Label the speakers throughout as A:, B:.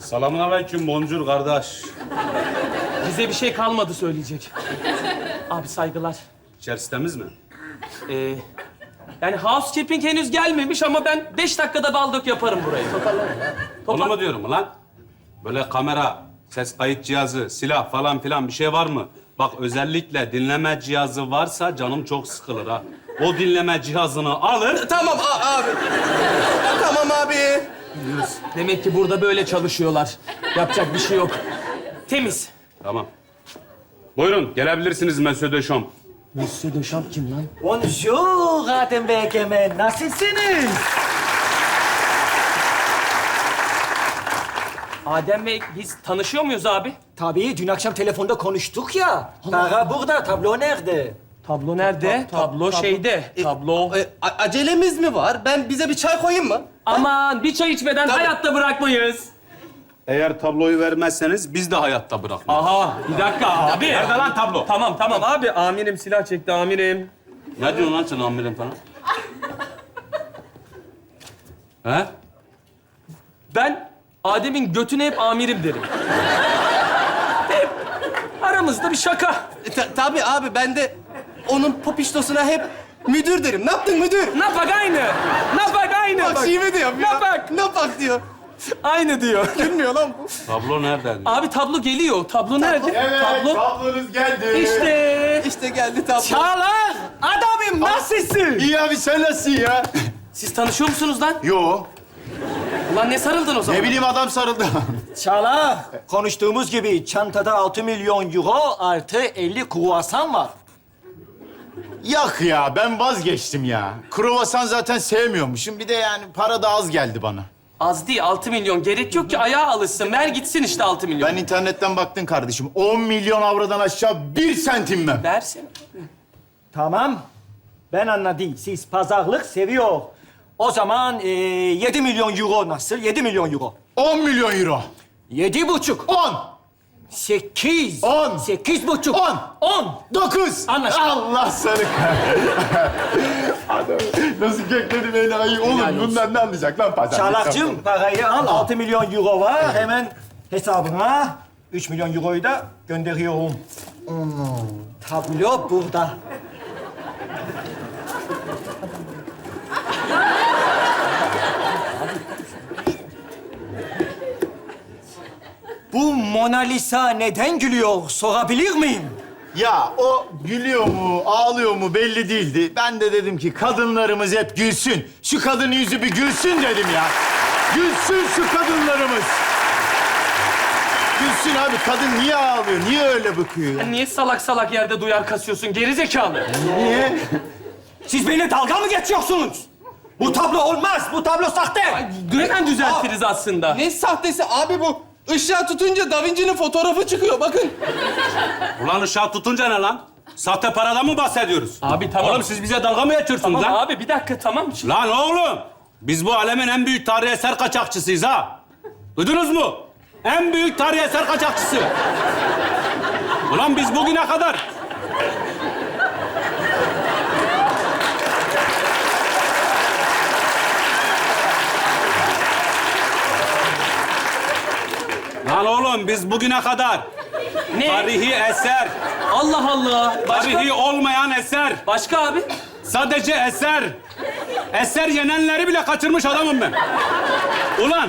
A: Selamünaleyküm, bonjour kardeş.
B: Bize bir şey kalmadı söyleyecek. Abi saygılar.
A: İçerisi temiz mi?
B: Yani housekeeping henüz gelmemiş ama ben 5 dakikada baldık yaparım burayı.
A: Onu mu diyorum lan? Böyle kamera, ses kayıt cihazı, silah falan filan bir şey var mı? Bak özellikle dinleme cihazı varsa canım çok sıkılır ha. O dinleme cihazını alır.
C: Tamam abi. Tamam abi.
B: Demek ki burada böyle çalışıyorlar. Yapacak bir şey yok. Temiz.
A: Tamam. Buyurun, gelebilirsiniz Monsieur Deschamps.
B: Monsieur Deschamps kim lan?
D: Bonjour Adem Bey Egemen, nasılsınız?
B: Adem Bey, biz tanışıyor muyuz abi?
D: Tabii, dün akşam telefonda konuştuk ya. Para burada, tablo nerede?
B: Tablo nerede? Tablo şeyde. Tablo.
C: Acelemiz mi var? Bize bir çay koyayım mı?
B: Aman bir çay içmeden
C: Tabii.
B: hayatta bırakmayız.
A: Eğer tabloyu vermezseniz biz de hayatta bırakmayız.
B: Aha, bir dakika abi.
A: Nerede lan tablo?
B: Tamam abi. Amirim silah çekti amirim.
A: Ne diyorsun lan sen amirim falan? He?
B: Ben Adem'in götüne hep amirim derim. Hep aramızda bir şaka.
C: Tabii abi, ben de onun popiştosuna hep müdür derim. Ne yaptın müdür?
B: Napak aynı. Napak aynı.
C: Bak şive diyorum ya.
B: Napak.
C: Napak diyor.
B: Aynı diyor.
C: Gülmüyor lan bu.
A: Tablo nerede? diyor.
B: Abi tablo geliyor. Tablo nerede?
E: Evet,
B: Tablo.
E: tablonuz geldi.
B: İşte.
C: İşte geldi tablo.
D: Çağlar, adamım nasılsın?
E: İyi abi, sen nasılsın ya?
B: Siz tanışıyor musunuz lan?
E: Yo,
B: Ulan ne sarıldın o zaman?
E: ne bileyim adam sarıldı.
D: Çağlar, konuştuğumuz gibi çantada 6 milyon euro artı 50 kruvasan var.
E: Yak ya, ben vazgeçtim ya. Kruvasan zaten sevmiyormuşum. Bir de yani para da az geldi bana.
B: Az değil, 6 milyon. Gerek yok ki ayağa alışsın. Ver gitsin işte 6 milyon.
E: Ben internetten baktım kardeşim. 10 milyon avrodan aşağı 1 santim ben.
B: Versin.
D: Tamam, ben anladım. Siz pazarlık seviyor. O zaman 7 milyon euro nasıl? 7 milyon euro.
E: 10 milyon euro.
D: 7,5.
E: 10,
D: 8.
E: 10.
D: 8,5.
E: 10.
D: 10.
E: 9.
D: Anlaştık.
E: Allah seni Adam nasıl kökledi beni ayı. Oğlum bundan ne anlayacak lan pazar?
D: Çağlar'cığım parayı al. 6 milyon euro var. Hemen hesabına 3 milyon euroyu da gönderiyorum. Tablo burada. Bu Mona Lisa neden gülüyor sorabilir miyim?
E: Ya o gülüyor mu, ağlıyor mu belli değildi. Ben de dedim ki kadınlarımız hep gülsün. Şu kadının yüzü bir gülsün dedim ya. Gülsün şu kadınlarımız. Gülsün abi. Kadın niye ağlıyor? Niye öyle bakıyor ya?
B: Niye salak salak yerde duyar kasıyorsun? Gerizekalı.
E: Niye?
D: Siz benimle dalga mı geçiyorsunuz? Bu tablo olmaz. Bu tablo sahte.
B: Hemen düzeltiriz aslında.
C: Ne sahtesi abi bu? Işığa tutunca Da Vinci'nin fotoğrafı çıkıyor bakın.
A: Ulan ışığa tutunca ne lan? Sahte paradan mı bahsediyoruz?
B: Abi tamam.
A: Oğlum siz bize dalga mı geçiyorsunuz
B: Tamam
A: lan?
B: abi bir dakika tamam.
A: Lan oğlum! Biz bu alemin en büyük tarihi eser kaçakçısıyız ha. Duydunuz mu? En büyük tarihi eser kaçakçısı. Ulan biz bugüne kadar... Lan oğlum biz bugüne kadar
B: Ne?
A: tarihi eser,
B: Allah Allah. Başka?
A: tarihi olmayan eser,
B: Başka abi?
A: sadece eser, eser yenenleri bile kaçırmış adamım ben. Ulan!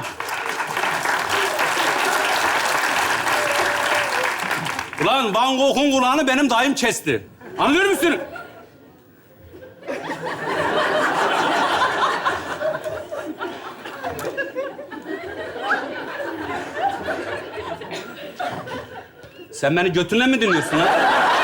A: Ulan Van Gogh'un kulağını benim dayım kesti. Anlıyor musun? Sen beni götünle mi dinliyorsun lan?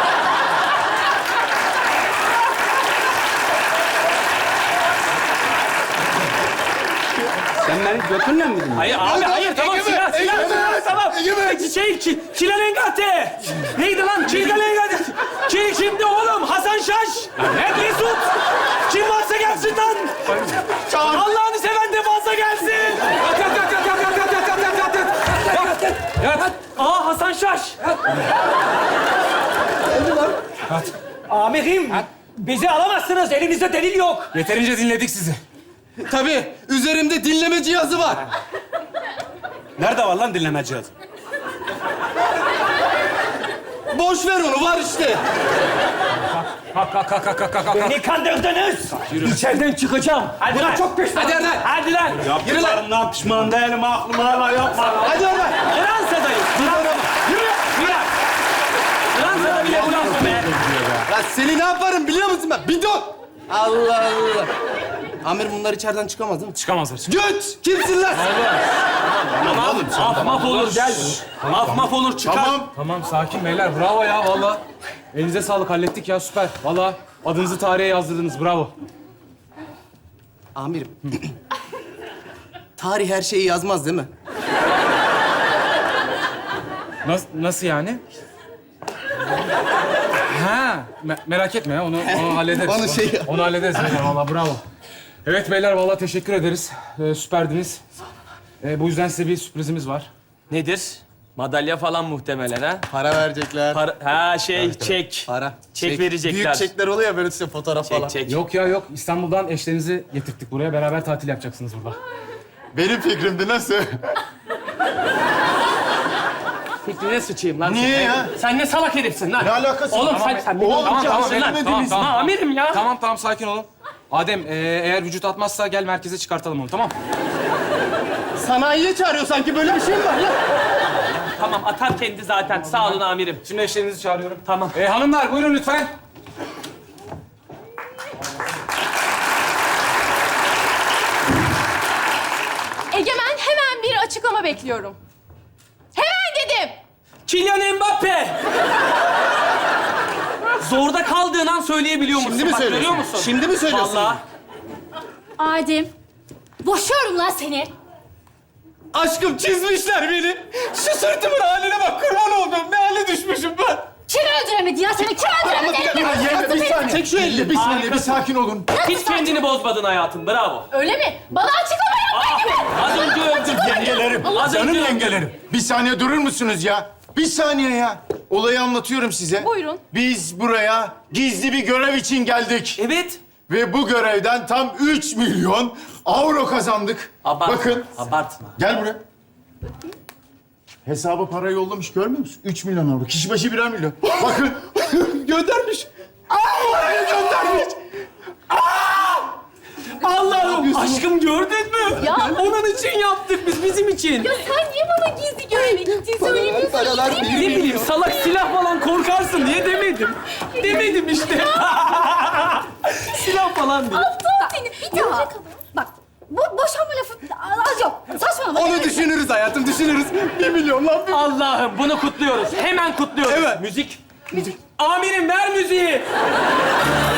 A: Sen beni götünle mi dinliyorsun?
B: Hayır abi hayır tamam silah tamam. Kilalengate. Neydi lan? Kilalengate. Kimdi oğlum? Hasan Şaş. Ne Mesut? Kim varsa gelsin lan. Allah'ını seven de fazla gelsin. Yat. Aa Hasan Şaş.
D: Amirim, bizi alamazsınız. Elimizde delil yok.
B: Yeterince dinledik sizi.
C: Tabii üzerimde dinleme cihazı var.
A: Nerede var lan dinleme cihazı?
C: Boş ver onu, var işte.
B: Kalk.
D: Beni kandırdınız. İçeriden çıkacağım.
B: Hadi
D: Buna
B: lan.
D: çok pişman.
C: Hadi Erdal.
B: Hadi lan.
A: Yaptıklarımdan pişman değilim, aklım hala yapma.
C: Hadi Erdal.
B: Fransa'dayız. Yürü. Fransa'da bile Fransa be.
C: Ya seni ne yaparım biliyor musun ben? Bidon. Allah Allah. Amir bunlar içeriden çıkamaz değil mi?
B: Çıkamazlar.
C: Göt! Kimsin lan?
B: Tamam. Af maf olur gel. Af maf olur çıkar.
E: Tamam.
F: Tamam sakin beyler bravo ya valla. Elinize sağlık hallettik ya süper. Valla adınızı tarihe yazdırdınız bravo.
C: Amirim. Tarih her şeyi yazmaz değil mi?
F: Nasıl yani? Ha merak etme ya onu hallederiz.
C: Onu şey-
F: Onu hallederiz beyler valla bravo. Evet beyler valla teşekkür ederiz. Süperdiniz. Bu yüzden size bir sürprizimiz var.
B: Nedir? Madalya falan muhtemelen ha?
C: Para verecekler.
B: Çek.
C: Para.
B: Çek verecekler.
C: Büyük çekler oluyor ya böyle size fotoğraf falan.
B: Çek.
F: Yok ya yok İstanbul'dan eşlerinizi getirttik buraya beraber tatil yapacaksınız burada.
E: Benim fikrimdi nasıl?
B: Fikrine sıçayım lan.
E: Niye
B: sen.
E: ya?
B: Sen ne salak herifsin lan?
E: Ne alakası var?
B: Oğlum
E: Tamam,
B: sen
E: Oğlum
F: Tamam beyler
E: söylemediniz.
F: tamam.
B: Amirim ya.
F: Tamam sakin olun. Adem eğer vücut atmazsa gel merkeze çıkartalım onu tamam.
C: Sanayiye çağırıyor sanki, böyle bir şey mi var lan?
B: Tamam atar kendi zaten. Sağ olun amirim.
F: Şimdi eşlerinizi çağırıyorum.
B: Tamam.
F: Hanımlar buyurun lütfen.
G: Egemen, hemen bir açıklama bekliyorum. Hemen dedim.
B: Kylian Mbappe. Zorda kaldığın an söyleyebiliyor musun?
C: Şimdi mi
B: Bak,
C: söylüyorsun?
B: görüyor musun?
C: Şimdi mi söylüyorsun?
B: Vallahi.
G: Adem, boşuyorum lan seni.
C: Aşkım çizmişler beni. Şu sırtımın haline bak, kurban oldum. Ne hale düşmüşüm ben.
G: Kim öldüremedi ya seni? Kim öldüremedi?
E: Bir saniye.
C: Çek şu elini.
E: Bir saniye, bir sakin olun.
B: Hiç kendini bozmadın hayatım. Bravo.
G: Öyle mi? Bana açıklama yap Egemen.
B: Az önce öldüm.
E: Yengelerim,
B: Az
E: canım
B: önce
E: yengelerim. Bir saniye durur musunuz ya? Bir saniye ya. Olayı anlatıyorum size.
G: Buyurun.
E: Biz buraya gizli bir görev için geldik.
B: Evet.
E: Ve bu görevden tam 3 milyon avro kazandık.
B: Abartma.
E: Bakın,
B: Abartma.
E: gel buraya. Hesabı para yollamış, görmüyor musun? 3 milyon avro. Kişi başı 1'er milyon. Bakın, göndermiş. Parayı göndermiş.
B: Allah'ım aşkım gördün mü?
G: Ya.
B: Onun için yaptık biz, bizim için.
G: Ya sen niye bana gizli göreve gittin söylemiyorsun?
C: paralar
G: İyi
B: Ne bileyim salak silah falan korkarsın diye demedim. Demedim işte. Silah falan diye.
G: Aptal seni. Bir daha. Bak, bu boşanma lafı az yok. Saçmalama.
C: Onu düşünürüz hayatım, düşünürüz. 1 milyon lan.
B: Allah'ım bunu kutluyoruz. Hemen kutluyoruz.
C: Evet.
B: Müzik. Amirim ver müziği.